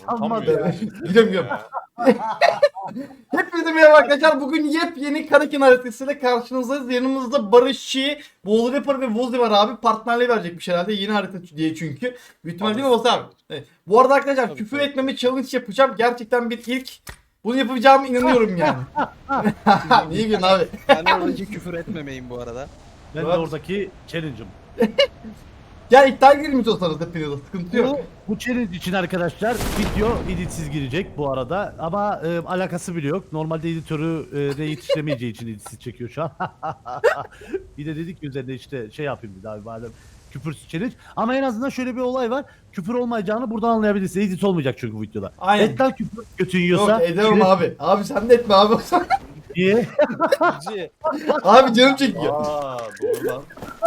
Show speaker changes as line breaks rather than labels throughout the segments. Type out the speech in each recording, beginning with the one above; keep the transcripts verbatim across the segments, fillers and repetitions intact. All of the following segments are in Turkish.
Utanmadı.
Gidiyorum gidiyorum. Hepinize merhaba arkadaşlar. Bugün yepyeni Karakin haritasıyla karşınızdayız. Yanımızda Barışçı, Wallrapper ve Vozi var abi. Partnerliği verecekmiş herhalde. Yeni harita diye çünkü. Büyük ihtimalle değil mi Vozi abi? Evet. Bu arada arkadaşlar
Tabii,
küfür
tabii.
etmeme challenge yapacağım. Gerçekten bir ilk. Bunu yapacağıma inanıyorum yani. Niye gülüyorsun abi?
Ben oradaki küfür etmemeyim bu arada.
Ben de
Evet.
oradaki challenge'ım.
Gel iddia girelim istiyorsanız hepinize. Sıkıntı yok.
Bu, bu challenge için arkadaşlar video editsiz girecek bu arada ama e, alakası bile yok. Normalde editörü e, de yetiştiremeyeceği için editsiz çekiyor şu an. Bir de dedik ki üzerinde işte şey yapayım dedi abi madem küfürsüz challenge. Ama en azından şöyle bir olay var. Küfür olmayacağını buradan anlayabilirsiniz. Edit olmayacak çünkü bu videoda.
Aynen.
Et lan küfür götün
Yok
yiyorsa.
edemem
şöyle-
abi. Abi sen de etme abi.
Niye?
Cici.
Abi canım çekiyor.
Aa doğru lan.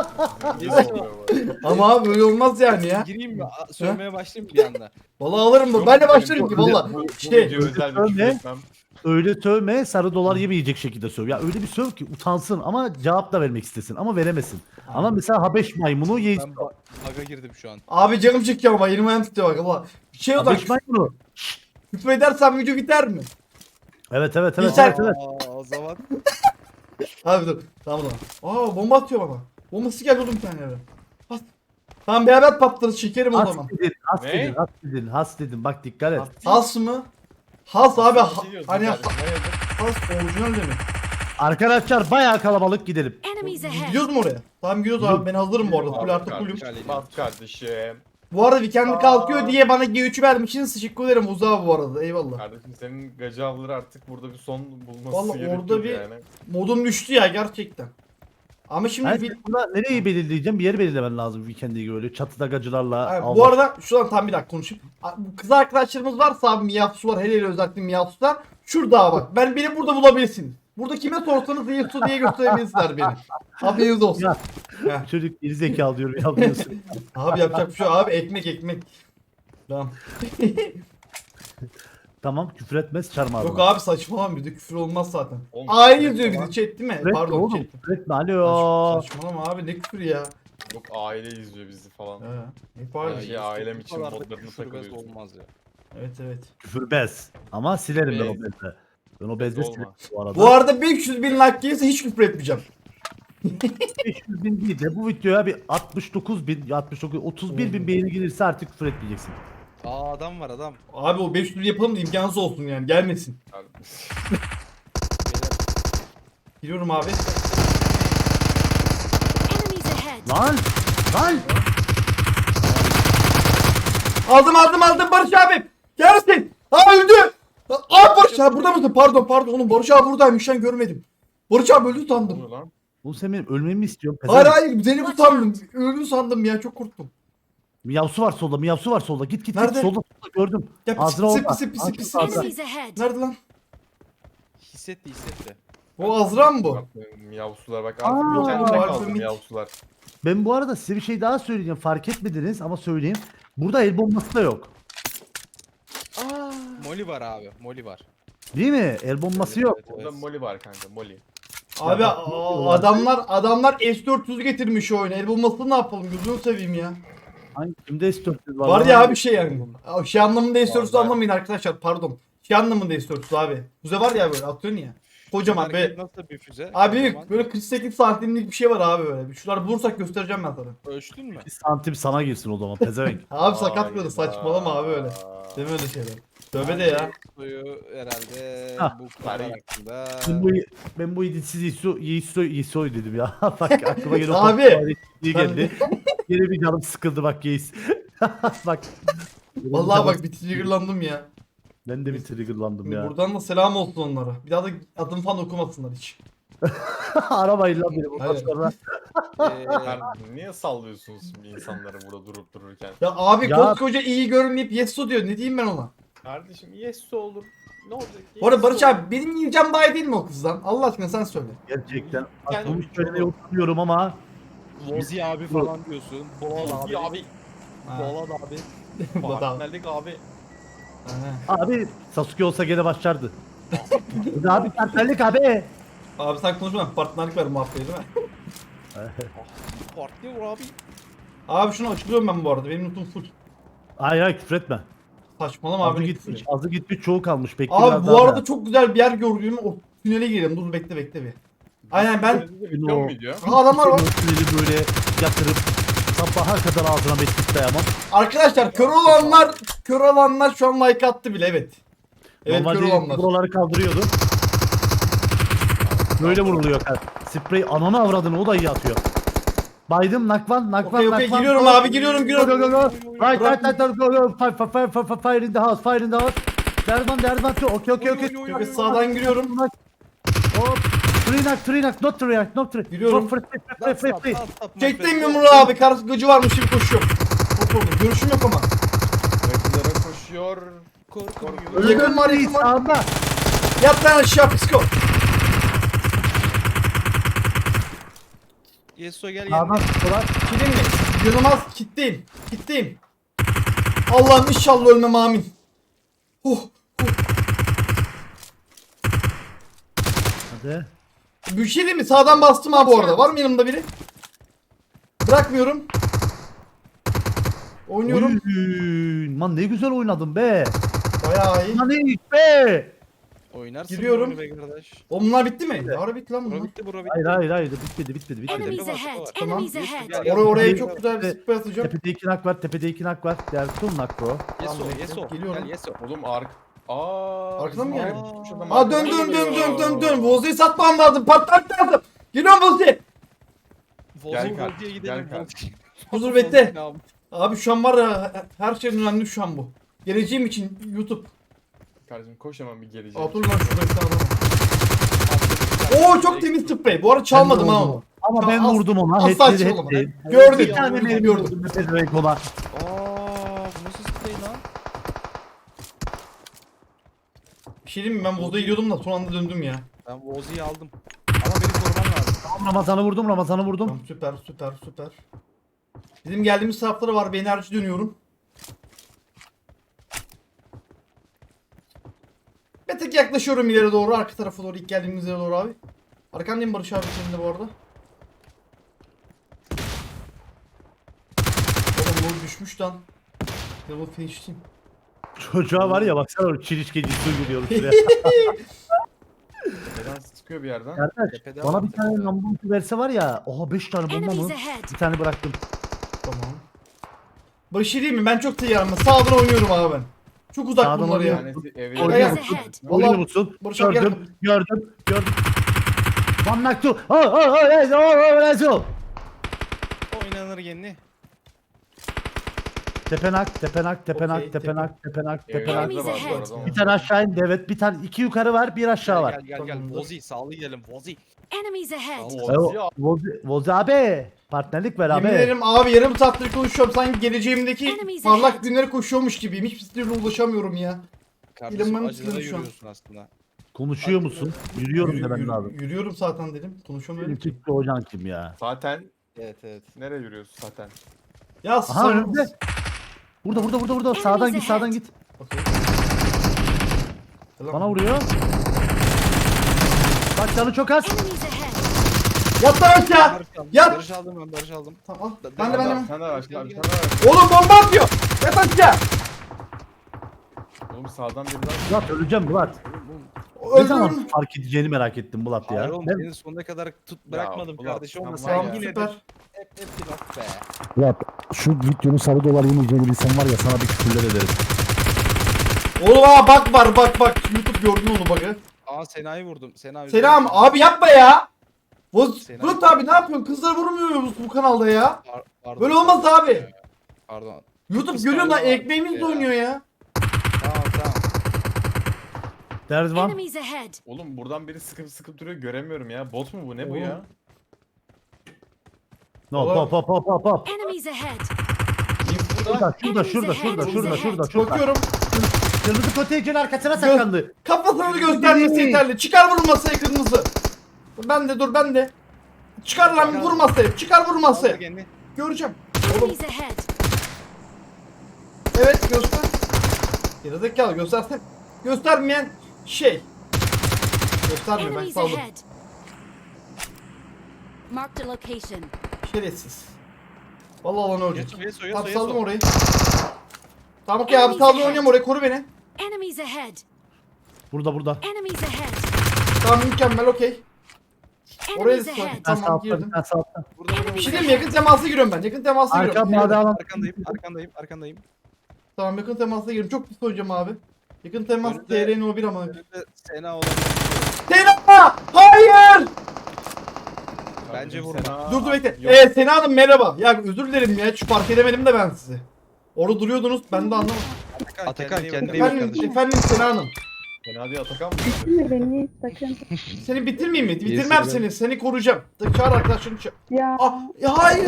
Ama abi öyle olmaz yani ya.
Gireyim mi? A- Söylemeye başlayayım mı bir anda?
Vallahi alırım bu. Ben de başlarım ki valla.
Bu
Şey,
video özel bir
Öyle.
küfür etmem.
Öyle sövme sarı dolar yemeyecek şekilde söv. Ya öyle bir söv ki utansın ama cevap da vermek istesin ama veremesin. Ama mesela Habeş maymunu ye.
Ben ba- baga girdim şu an.
abi canım çekiyor ama elim ayağım titriyor bak valla. Şey o da
Habeş maymunu.
küfür edersen video biter mi?
Evet evet evet.
Geçer.
evet, evet.
Aa, o zaman
Abi dur. Tamam tamam. Aa bomba atıyor bana. Bombası geldi oğlum bir tane eve. Bas. Tamam beraber patlarız çekerim o
Has
zaman.
dedin, has
Ne?
dedin, has dedin, has dedin. Bak dikkat et.
Has mı? Has abi ha-
Bir şey diyorsun
hani
kardeşim, hayırdır?
has orijinal demek.
Arkadaşlar bayağı kalabalık gidelim.
Enemies ahead.
Gidiyoruz mu oraya? Tamam gidiyoruz abi ben hazırım bu arada. Full artı fullüm.
Bas kardeşim.
Bu arada weekend kalkıyor diye bana G üç'ü vermişsiniz. Teşekkür ederim Uzağa bu arada eyvallah.
Kardeşim senin gacı avları artık burada bir son bulması
Vallahi
gerekiyor
orada bir-
yani.
Modum düştü ya gerçekten. Ama şimdi
Ben
fil-
burada nereyi belirleyeceğim? Bir yer belirlemen lazım weekend'e göre. Öyle çatıda gacılarla.
Ay,
Allah-
bu arada şuradan tam bir dakika konuşayım. A- bu Kız arkadaşlarımız varsa abi Miyatsu var hele hele özellikle Miyatsu'lar. Şurada bak ben beni burada bulabilirsiniz. Burada kime sorsanız Miyatsu diye gösterebilirsiniz beni. Haberiniz olsun.
Ya.
Heh.
Çocuk geri zekalı diyorum ya diyorsun.
Abi yapacak bir şey yok. Abi ekmek ekmek. Tamam.
Tamam küfür etmez çarmıha.
Yok abi saçmalama bir de küfür olmaz zaten.
Oğlum,
Aile
küfür
yazıyor
etme
bizi chat değil mi?
Küfür etme
Pardon
oğlum.
chat.
Küfür etme alo.
Saç- Saçmalama abi ne küfür ya.
Yok aile izliyor bizi falan.
He. Hep
Her
aynı.
şey ailem
Bu
için
kadar da
modlarını
küfür bez
takılıyorsun.
olmaz ya.
Evet evet.
Küfür bez. Ama silerim ben o
Bez.
bezle. Ben o bezle
olma.
silerim bu arada.
Bu arada beş yüz bin like gelirse hiç küfür etmeyeceğim.
beş yüz bin değil de bu videoya bir altmış dokuz bin, altmış dokuz, otuz bir bin beğeni gelirse artık küfür etmeyeceksin.
Aa adam var adam.
Abi o beş yüz yapalım da imkansız olsun yani gelmesin.
Beyler,
Giriyorum abi.
Enemies ahead.
Lan! Lan!
Aldım aldım aldım Barış abi. Gelsin. Aa öldü. Aa Barış abi burada mısın? Pardon pardon oğlum Barış abi buradaymış ben görmedim. Barış abi öldü
Ne
sandım.
oluyor lan?
Oğlum sen benim ölmemi mi istiyorsun?
Hayır
Pezevenk.
hayır seni bu sandım. Öldü sandım ya çok korktum.
Miyavsu var solda, miyavsu var solda. Git git
Nerede?
git solda solda gördüm.
Ya pis
Ağzına
pis
olma.
pis pis
Ağzına
pis
olma.
pis.
Enemies ahead.
Nerede lan?
hissetti hissetti.
O Azra mı bu?
Bak, Miyavsular bak
Aa,
artık bir kendine
Alfa
kaldı
Mik.
miyavsular.
Ben bu arada size bir şey daha söyleyeceğim. Fark etmediniz ama söyleyeyim. Burada el bombası da yok.
Aa. Moli var abi. Moli var.
Değil mi? El bombası
Evet,
yok.
evet,
Orada
evet.
Molly var kanka Molly.
Abi
bak,
aa, adamlar adamlar S dört yüz getirmiş oyunu. El bombasını ne yapalım gözünü seveyim ya.
Hangi kimde S dört yüz var?
Var
lan?
ya abi şey yani. Aa, Şey anlamında S dört yüz
Var, var.
anlamayın arkadaşlar pardon. Şey anlamında S dört yüz abi. Füze var ya böyle atıyorsun ya. Kocaman
Hareket
be.
nasıl bir füze?
Abi
Kocaman.
büyük böyle kırk sekiz santimlik bir şey var abi böyle. Bir Şunları bulursak göstereceğim ben sana.
Ölçtün mü?
Bir santim sana girsin o zaman pezevenk.
Abi sakat böyle
Hayda.
saçmalama abi öyle. Deme öyle şeyler. Tövbe de ya.
Suyu herhalde
Hah.
bu kadar
Bari-
hakkında.
ben bu ben bu iditsiz Yiso Yiso Yiso'y dedim ya. Bak aklıma gene o
Abi,
toplar iyi
ben-
geldi. Yine bir canım sıkıldı bak Yiğis. Bak.
Vallahi bak bir triggerlandım ya.
Ben de bir triggerlandım ya.
Buradan da selam olsun onlara. Bir daha da adımı falan okumasınlar hiç.
Arabayın lan beni bundan
Aynen.
sonra.
Ee,
Sen niye sallıyorsunuz şimdi insanları burada durup dururken?
Ya abi
Ya-
koskoca iyi görünmeyip yesso diyor. Ne diyeyim ben ona?
Kardeşim yes olur. Ne olacak?
Bu arada
Yes
Barış
olur.
abi benim yiyeceğim daha iyi değil mi o kızdan? Allah aşkına sen söyle.
Gerçekten.
Yani-
Aklımı söylemeye utanıyorum ama.
Vozi abi falan diyorsun. Bolan abi.
Ya abi.
Ha.
Bolan abi.
Bu da-
Partnerlik abi.
Ha.
Abi Sasuke olsa gene başlardı. Bu da abi partnerlik abi.
Abi sen konuşma partnerlik ver muhabbeti değil mi?
Partner abi.
Abi şunu açılıyorum ben bu arada. Benim notum full.
Hayır hayır küfür etme.
Saçmalama abi.
Azı
ne
gitmiş,
küfür.
azı gitmiş, çoğu kalmış. Bekle
Abi
biraz
bu
daha
arada
da.
çok güzel bir yer gördüm. O tünele girelim. Dur bekle bekle bir. Aynen ben.
Video mu video?
Aha adamlar var.
Tüneli böyle yatırıp sabaha kadar ağzına meslek dayamam.
Arkadaşlar kör olanlar kör olanlar şu an like attı bile evet. Evet kör
Normalde
olanlar.
buraları kaldırıyordu. Böyle vuruluyor. Sprey ananı avradını, o da iyi atıyor. Baydım, nakvan, nakvan,
Okey, okey,
nakvan.
giriyorum abi, giriyorum, giriyorum.
Go, go, go, go. Right, right, right, right, go, go. Fire, fire, fire, fire, fire in the house, fire in the house. Derman, derman, okey, okey, okey.
Evet, sağdan giriyorum.
Hop. Three knock, three knock, not three knock, not three.
Giriyorum.
Hop, free, free, free, free, free.
Çektim yumruğu abi. Karşı gıcı varmış gibi koşuyorum. Hop oğlum görüşüm yok ama.
Rakılara koşuyor.
Korkmuyor.
Yakın var, yakın var.
Sağında.
Yat lan aşağı psiko.
Yeso gel
Sağdan
yanına.
tutuyorlar.
Kilim mi? Yılmaz kitleyim. Kitleyim. Allah'ım inşallah ölmem amin. Huh.
Hadi.
Bir şey değil mi? Sağdan bastım abi orada. Var mı yanımda biri? Bırakmıyorum. Oynuyorum.
Oy, man ne güzel oynadın be.
Bayağı iyi.
Lan iyi be.
Oynarsın
Giriyorum.
bunu be kardeş.
O bunlar bitti mi? Ne ara bitti lan
Bura
bunlar?
bitti bura bitti.
Hayır hayır hayır bitmedi bitmedi bitmedi.
Enemies
Var,
ahead.
var.
Tamam.
Enemies ahead.
Gel, gel.
Oraya oraya
Gel.
çok güzel bir spray atacağım.
Tepede iki nak var, tepede iki nak var. Diğer full nak bro.
Yeso
Tamam,
Yeso.
geliyorum.
Gel Yeso.
Oğlum ark. Aa.
Arkadan mı
bizim
geldi?
arka tutmuş adam
Aa dön
arkadan
dön dön dön
geliyor.
dön dön. Vozi'yi satmam lazım. Patlat lazım. Geliyorum Vozi.
Volvo
Gel kar,
Volvo'ya
gel
gidelim.
kar.
Volvo.
Huzur bekle.
Volvo.
Abi şu an var ya her şeyden önemli şu an bu. Geleceğim için YouTube.
Kardeşim koş hemen bir geleceğim.
Aa dur lan şurada bir tane adam var. Oo çok temiz sprey. Bu arada çalmadım
Ben de
ha
vurdum.
onu.
Ama ben
As-
vurdum ona.
asla
Headleri
açılmadı.
headleri.
Gördük,
Bir tane
gördük,
benim
gördük.
vurdum. Pezevenk ona.
Aa, bu nasıl sprey lan?
Bir şey diyeyim mi? Ben Vozi'ye gidiyordum da son anda döndüm ya.
Ben Volvo'yu aldım. Ama beni koruman lazım.
Tamam, Ramazan'ı vurdum, Ramazan'ı vurdum.
Tamam, süper süper süper. Bizim geldiğimiz taraflara var. Bir enerji dönüyorum. Bir tık yaklaşıyorum ileri doğru. Arka tarafa doğru. İlk geldiğimiz yere doğru abi. Arkandayım Barış abi senin de bu arada. Oğlum bu düşmüş lan. Level finish'tim.
Çocuğa var ya baksana, çirişkeci su giriyor şuraya.
Neden sıkıyor bir yerden?
Kardeş
Tepede
bana
var,
bir tane
tepede.
lambamı verse var ya. Oha beş tane bomba
Enemies
mı?
ahead.
Bir tane bıraktım.
Tamam. Barış şey değil mi? Ben çok tıyarım. Sağdan oynuyorum abi ben. Çok uzak
Sağdan
bunlar ya.
oynuyorum.
Tanesi evi
Oynuyor
Enemies
musun?
ahead.
Oynuyor
Vallahi-
musun?
Barış abi gel.
Gördüm, gördüm, gördüm. One knock two. Oh, oh, oh, let's go, oh, let's go.
Oynanır yeni.
Tepenak, tepenak, tepenak,
Okey,
tepenak, tepenak, tepenak.
Evlerde var bu
Enemies
arada.
Bir tane aşağı indi, evet. Bir tane, iki yukarı var, bir aşağı var.
Gel gel gel.
Tamamdır.
Vozi sağlı gidelim. Vozi.
Enemies ahead.
Tamam,
Yo,
Vozi ya.
Vozi, Vozi abi. Partnerlik ver
Yemin
abi.
ederim abi yarım saattir konuşuyorum. Sanki geleceğimdeki
Enemies
parlak
ahead.
günlere koşuyormuş gibiyim. Hiçbir türlü ulaşamıyorum ya.
Kardeşim
İlhan'ın
acılara
sınırı şu an.
yürüyorsun aslında.
Konuşuyor musun? Yürüyorum
Yürü-
demen
yürü-
lazım.
Yürüyorum zaten dedim. Konuşamıyorum
Benim
ki.
Türkçe hocan kim ya?
Zaten
Evet evet.
nereye yürüyorsun zaten?
Ya
Aha
sana-
önümde. Burada, burada, burada, burada. Sağdan git, sağdan git.
Okey. Selam.
Bana vuruyor. Bak canı çok az.
Enemies ahead.
Yat lan aşağı.
Barış aldım.
Yat.
Barış aldım ben Barış aldım.
Tamam.
Da-
Ben de ben de.
Bir
ben-
tane var, bir
Gel,
tane
gel.
var.
Oğlum bomba atıyor. Yat aşağı.
Oğlum sağdan biri daha.
Bulat öleceğim Bulat. Ne zaman
Öldürürüm.
fark edeceğini merak ettim Bulat ya.
Hayır oğlum
Ben-
seni sonuna kadar tut bırakmadım
ulan,
kardeşim ama
sen
sen
var
Tamam
ya.
yine de
süper.
hep hep bir laf be.
Bulat şu videonun sarı dolar yemeyeceğini bilsem var ya, sana bir küfürler ederim.
Oğlum aa bak var bak bak. YouTube gördün onu bak.
Aa Sena'yı vurdum. Sena
Selam abi yapma ya. Voz,
Sena-
Bulut abi ne yapıyorsun? Kızlar vurmuyor bu, bu kanalda ya.
Par- pardon.
Böyle olmaz abi.
Pardon.
YouTube
Kız
görüyor lan
kanalı var.
ekmeğimizle
Ya.
oynuyor ya.
Tamam tamam.
There's one.
Enemies ahead.
Oğlum buradan biri sıkıp sıkıp duruyor göremiyorum ya. Bot mu bu? Ne bu
Oğlum.
ya?
No, pop pop pop pop pop.
Enemies ahead.
Şurada, şurada, şurada, şurada, şurada, şurada, şurada.
Bakıyorum.
Kırmızı koteycin arkasına saklandı.
Kafasını göstermesi yeterli. Çıkar vurun masaya kırmızı. Ben de dur ben de. Çıkar lan vur masaya. Çıkar vur masaya.
Aldı kendini.
Göreceğim. Oğlum
Enemies ahead.
evet göster. Gerizekalı göstersem. Göstermeyen şey. Göstermiyor ben
Enemies
saldım.
ahead. Marked a location.
Şerefsiz. Vallahi lan ölecek.
Yeso Yeso Yeso
Tamam saldım
Yeso.
orayı. Tamam okey abi sağdan oynuyorum oraya koru beni.
Enemies ahead.
Burada burada.
Enemies ahead.
Tamam mükemmel okey. Oraya
Enemies
da
ahead.
Bir tane
tamam
sağ altta,
girdim.
bir tane sağ altta.
Burada burada
Bir
burada.
şey diyeyim mi? Yakın temasa giriyorum ben. Yakın temasa
Arka
giriyorum.
mavi alan.
Arkandayım, arkandayım, arkandayım.
Tamam yakın temasa giriyorum. Çok pis oynayacağım abi. Yakın temas
Önünde-
T R'nin o bir ama.
Önünde Sena olabilir.
Sena! Hayır!
Bence vurma.
Sena-
Dur dur bekle.
Yok.
Ee, Sena Hanım merhaba. Ya özür dilerim ya. Hiç fark edemedim de ben sizi. Orada duruyordunuz. Ben de anlamadım.
Atakan kendine iyi bak
Efendim,
kardeşim.
efendim Sena Hanım.
Sena diye Atakan mı?
Bitirme beni sakın.
Seni bitirmeyeyim mi?
İyi,
Bitirmem
Sena.
seni. Seni koruyacağım. Çağır arkadaşlarını çağır.
Ya.
Ah, ya hayır.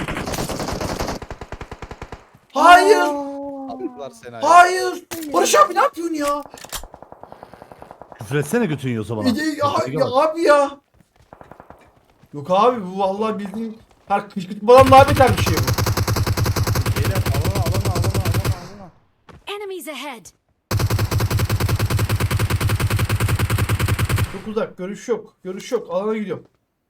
Hayır.
Attılar Sena'yı.
Hayır. Barış abi ne yapıyorsun ya?
Küfür etsene götün yiyorsa bana.
Ya, ya, ya abi ya. Yok abi bu vallahi bildiğin her kışkırtmadan daha beter bir şey bu.
Beyler alana alana alana alana alana.
Enemies ahead.
Çok uzak. Görüş yok. Görüş yok. Alana gidiyorum.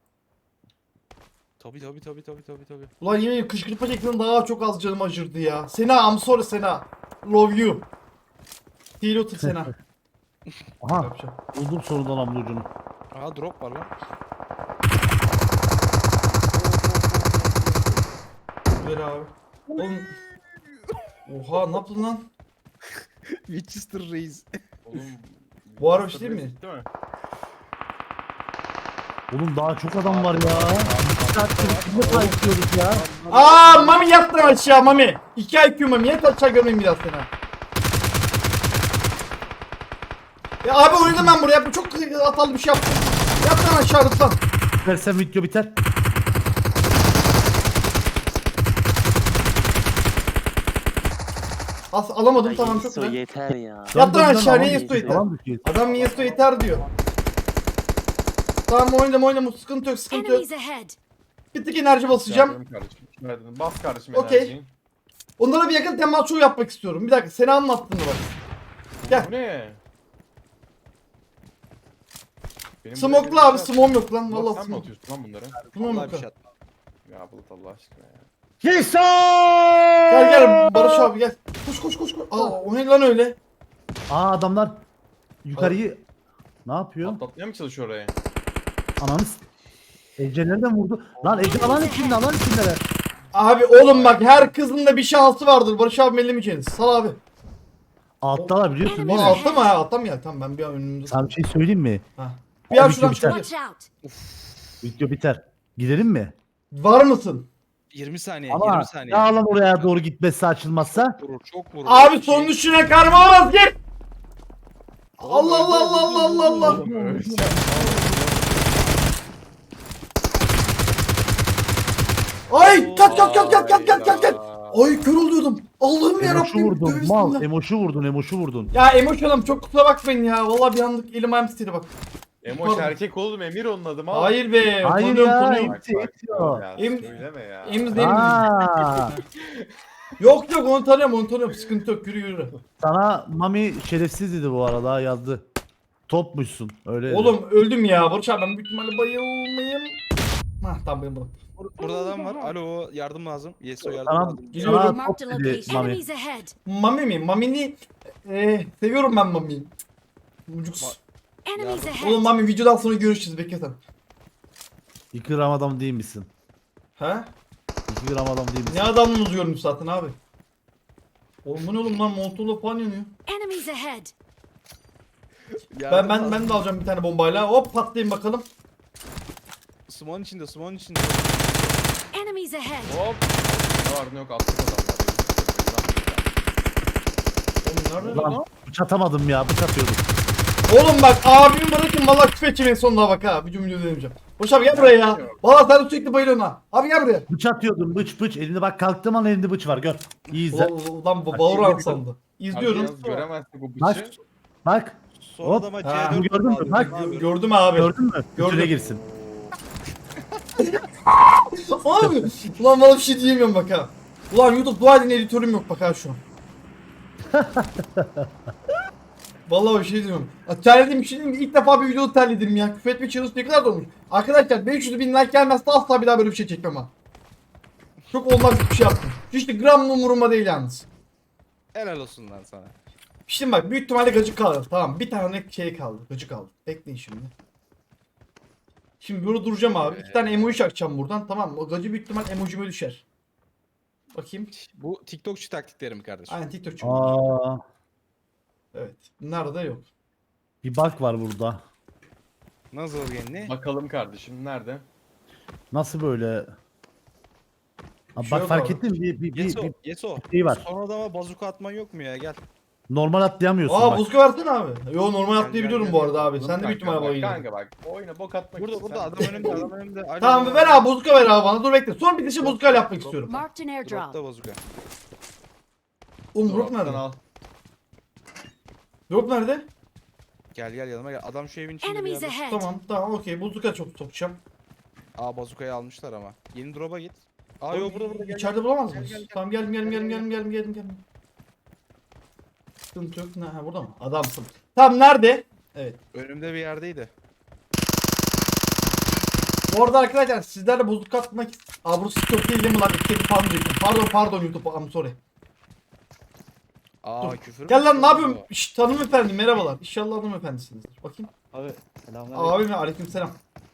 Tabi tabi tabi tabi tabi tabi.
Ulan yemin ediyorum kışkırtma çektiğinde daha çok az canım acırdı ya. Sena I'm sorry Sena. Love you. Değil otur Sena.
Aha
Yapacağım.
buldum sonunda namlu ucunu.
Aha drop var lan.
Ver abi. Oğlum. Oha ne yaptın lan?
Winchester Reis.
Oğlum.
Bu araba şey değil mi?
Değil mi?
Oğlum daha çok adam var ya. Bir saattir kimle kayıtlıyoruz ya.
Aa Mami yattın aşağı Mami. iki I Q Mami yat aşağı görmeyeyim biraz Sena. Ya abi oynadım ben buraya. Bu çok hatalı bir şey yaptım. Yat lan aşağı lütfen.
Versen video biter.
As alamadım
Ay,
tamam çok
Yeso
güzel.
yeter ya.
Yat lan aşağı
Alan
niye
düşüyor,
Yesto yeter?
alan düşüyor.
Adam niye Yesto yeter diyor. Tamam oynadım oynadım sıkıntı yok sıkıntı yok.
Enemies ahead.
Bir tık enerji basacağım.
Yardım kardeşim. Verdin. Bas kardeşim
Okey.
enerjiyi.
Onlara bir yakın temas show yapmak istiyorum. Bir dakika seni anlattın bak. Gel.
Bu ne? Benim
Smoke'la
buraya
abi
gelişler-
smoke yok lan
Bulut,
vallahi
sen mi
smoke.
atıyorsun lan bunları?
Smoke
Vallahi
yok.
bir şey
ha.
atma.
Ya Bulut Allah aşkına ya.
Yeso!
Gel gel Barış abi gel. Koş koş koş koş. Aa o ne lan öyle?
Aa adamlar yukarıyı ne yapıyor?
Atlatmaya mı çalışıyor oraya?
Ananı s- Ece nereden vurdu? Lan Ece alan içinde alan içinde.
Abi oğlum bak her kızın da bir şansı vardır. Barış abi ellemeyeceğiniz. Sal abi.
Alttalar biliyorsun değil
Lan
mi?
altta mı ha? Altta mı ya? Tamam ben bir an önümde.
Sana bir şey söyleyeyim mi?
Ha. Bir an
Abi,
şuradan
bir tane-
çıkabilir.
Watch out.
Video biter. Gidelim mi?
Var mısın?
yirmi saniye,
Ama
yirmi saniye.
ya alan oraya doğru gitmezse açılmazsa.
Çok vurur, çok vurur.
Abi
Şey-
son düşüne karma alamaz git. Allah Allah Allah Allah Allah Allah.
Oğlum öleceğim.
Ay kaç kaç kaç kaç kaç kaç kaç kaç.
Hayda.
Ay kör oluyordum. Allah'ım
Emoşu
yarabbim.
vurdun.
Tövbe
Mal.
bismillah.
Emoşu vurdun. Emoşu vurdun.
Ya emoşonum çok kusura bakmayın ya. Vallahi bir anlık elim ayağım titredi bak.
Emoş erkek oğlum Emir onun adı mı?
Hayır be.
Hayır
tanıyorum,
ya.
tanıyorum.
Bak,
Eti,
bak,
eti o.
ya,
Em-
söyleme ya.
Emz değil mi?
Aa,
Yok yok onu tanıyorum onu tanıyorum. Sıkıntı yok yürü yürü.
sana Mami şerefsiz dedi bu arada yazdı. Topmuşsun. Öyle dedi.
Oğlum öldüm ya. Barış abi ben büyük ihtimalle bayılmayayım. Hah tamam benim bunu.
Bur- Burada adam var. Alo yardım lazım. Yeso yardım
Tamam.
lazım.
Geliyorum.
Sana
Marked a
top dedi
location.
Mami.
Enemies ahead.
Mami mi? Mami'ni eh, seviyorum ben Mami'yi. Mucuks.
Enemies
Yardım.
Oğlum
ahead.
Mami videodan sonra görüşürüz bekle sen.
İki gram adam değil misin?
He?
İki gram adam değil misin?
Ne adamınız görmüş zaten abi. Oğlum bu ne oğlum lan montolu falan yanıyor.
Enemies ahead.
Ben
Yardım
ben
lazım.
ben de alacağım bir tane bombayla. Hop patlayayım bakalım.
Smoke'un içinde, smoke'un içinde.
Enemies ahead.
Hop. Ne var ne yok attık adamlar.
Oğlum nerede?
Ulan bıç atamadım ya. Bıç atıyordum.
Oğlum bak abimi bırakın valla küfür edeceğim en sonuna bak ha. Bir cümle demeyeceğim. Boş abi gel buraya ya. Valla sen de sürekli bayılıyorsun ha. Abi gel buraya.
Bıç atıyordum. Bıç bıç. Elinde bak kalktığım an elinde bıç var. Gör. İyi izle.
Ulan, ulan bu Bauran sandı. İzliyorum.
Yalnız göremezdik o
Bak.
bıçı.
Bak.
Son
Hop.
adama
Ha,
C dört
gördün mü?
aldım.
Bak.
Ne yapıyorsun?
Gördüm abi.
Gördün mü?
Gördüm.
Gördüm. girsin.
Abi ulan bana bir şey diyemiyorum bak ha. Ulan YouTube dua edin editörüm yok bak ha şu an. Vallahi bir şey diyorum. Ya, terlediğim bir şey değil mi? İlk defa bir video terledim ya. Küfür etme challenge ne kadar da olmuş. Arkadaşlar beş yüz bin like gelmezse asla bir daha böyle bir şey çekmem ha. Çok olmaz bir şey yaptım. İşte gram umurumda değil yalnız.
Helal olsun lan sana.
Şimdi bak büyük ihtimalle gıcık kaldı. Tamam bir tane şey kaldı. Gıcık kaldı. Bekleyin şimdi. Şimdi burada duracağım abi. İki tane emoji çakacağım buradan. Tamam mı? O gacı büyük ihtimal emojime düşer. Bakayım.
Bu TikTokçu taktiklerim kardeşim.
Aynen TikTokçu.
Aa,
Evet. Nerede yok.
bir bug var burada.
Nasıl genli?
Bakalım kardeşim nerede?
Nasıl böyle? Ha,
Şey
bak
yok
fark
abi.
ettin mi? Bir, bir, bir,
Yeso,
bir
Yeso.
şey var.
Son adama bazuka atman yok mu ya? Gel.
Normal atlayamıyorsun
Aa
bak.
buzka versene abi. Yo normal
Gel,
atlayabiliyorum
gel,
bu
gel.
arada abi. Sen de
Kanka
büyük ihtimalle
bak,
bayıldın.
Kanka bak oyuna bok atmak
Burada
için
burada
sen-
adam önümde adam önümde. Alo.
Tamam ver abi buzka ver abi bana. Dur bekle. Son bitişe buzka yapmak istiyorum.
Marked an airdrop.
Dropta bazuka.
Oğlum drop
Drop'tan
nerede?
al.
Drop nerede?
Gel gel yanıma gel. Adam şu evin içinde bir
Enemies
yerde.
ahead.
Tamam tamam okey. Buzka çok sokacağım.
Aa bazukayı almışlar ama. Yeni drop'a git. Aa yok burada burada gel.
İçeride bulamaz
Gel,
mıyız?
gel, gel.
Tamam geldim geldim geldim
Gel,
geldim geldim geldim geldim. Sıkıntı yok. Ne, ha, burada mı? Adamsın. Tamam nerede? Evet.
Önümde bir yerdeydi.
Bu arada arkadaşlar sizlerle bozuk atmak Aa burası çok değil değil mi lan? İstedi falan diyecektim. Pardon pardon YouTube. I'm sorry.
Aa
Dur.
küfür mü?
Gel lan ne yapıyorsun? Şşt hanımefendi merhabalar. İnşallah hanımefendisinizdir. Bakayım.
Abi selamünaleyküm.
Abi mi? Aleykümselam.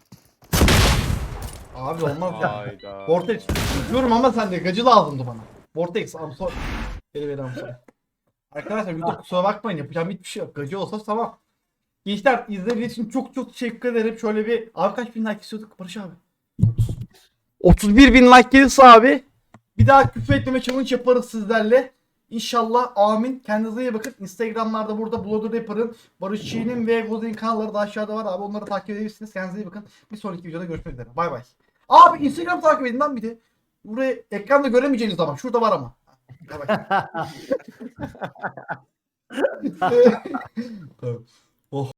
Abi olmaz ya.
Hayda.
Vortex. Diyorum ama sen de gacı lazımdı bana. Vortex. I'm sorry. Beni beni I'm sorry. Arkadaşlar YouTube kusura bakmayın. Yapacağım hiçbir şey yok. Gacı olsa tamam. Gençler izlediğiniz için çok çok teşekkür ederim. Şöyle bir abi kaç bin like istiyorduk Barış abi? otuz bir bin like gelirse abi bir daha küfür etmeme challenge yaparız sizlerle. İnşallah amin. Kendinize iyi bakın. Instagram'larda burada Blood Rapper'ın, Barış Çiğ'nin ve Vozi'nin kanalları da aşağıda var abi. Onları takip edebilirsiniz. Kendinize iyi bakın. Bir sonraki videoda görüşmek üzere. Bay bay. Abi Instagram takip edin lan bir de. Buraya ekranda göremeyeceğiniz zaman. Şurada var ama. Bay bay. Oh.